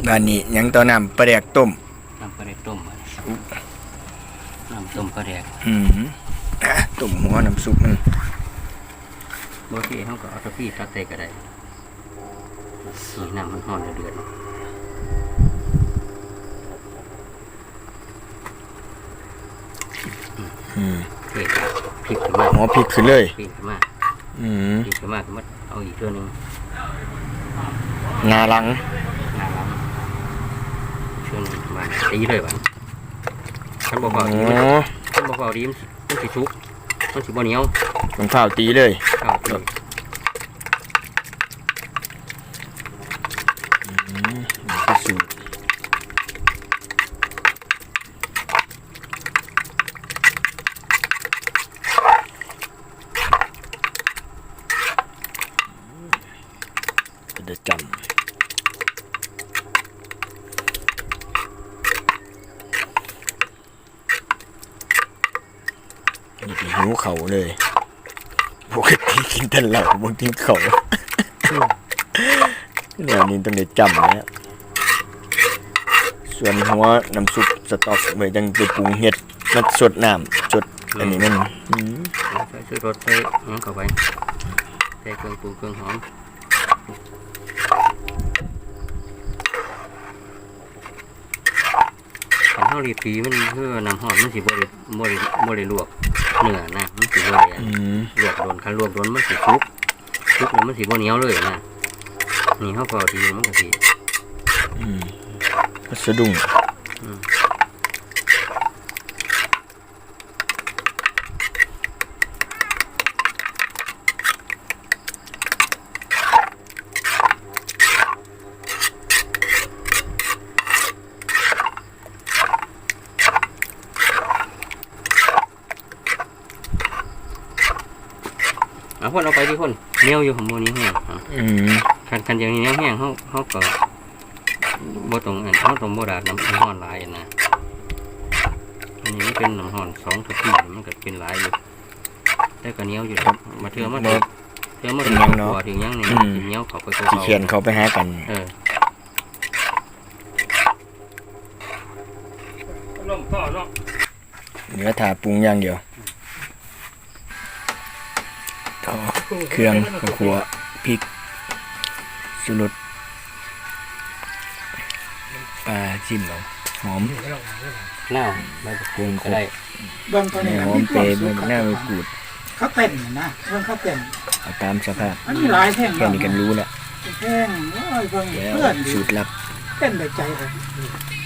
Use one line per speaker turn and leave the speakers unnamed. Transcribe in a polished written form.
บ้านนี้ยังต่อน้ำปลาแดกต้ม
น้ำปลาแดกต้มน้ำต้มปลาแดก
ต้มหัวน้ำซุปมัน
บางทีเขาก็เอาตะพี่ตักใส่ก็ได้น้ำมันห่อนเดือดเผ็ดพริกขึ้นมา
อ๋อพริกขึ้นเลย
พริกขึ้นมาพริกขึ้นมาก็มาเอาอีกตัวนึง
งาลัง
ช่วงนึงมาตีเลยบ้างท่านบอกว่าดีมันสิชุกมันสิบ่เหนียว
มันข้าวตีเลยสูตรจะจำนี่หิวเขาเลยปกติกินแต่เหล้าบ่กินเขาเนี่ยนี่ต้องได้จำนะส่วนหัวน้ำซุปสต๊อกไว้จังไปปรุงเห็ดมาสดน้ำสดอันนี้มัน
ใส่รสใส่น้ำเข้าไปใส่เครื่องปรุงเครื่องหอมขันเท่ารีปีมันเพื่อน้ำหอมมันสิบริลวกเนื้อนะมันสิบริลวกโดนคันลวกโดนมันสิชุกแล้วมันสิบ่เหนียวเลยนะนี่เขาพอดีมันก็สิ
สะดุ้ง
พ่นเอาไปที่พ่นเนี้ยวอยู่ของโมนี้แห้งคันอย่างนี้เนี้ยวแห้งเขาก็บ่ตรงเขาตรงโบราณน้ำห่อนลายนะอันนี้เป็นน้ำห่อน2 กะทิมันก็เป็นลายอยู่แต่ก็เนี้ยวอยู่มาเทื่อมาถึงยังนี่เนี้ยวเขาไป
เขียนเขาไปหากันเนื้อถาปรุงอย่างเดียวเครื่องขัวพริกชูรสปลาจิ้มเราหอม
หน้าใบโขงก็ได้
เบื้องต้น
หอมเปรี้ยวหน้าไม่กูด
เขาเต้นนะเบื้องเขาเต้น
ตามสภาพ
อันนี้หลายแท่ง
แค่นี้กันรู้แหละ
แท่งเพื่อน
สูตรลับ
เต้นได้ใจเลย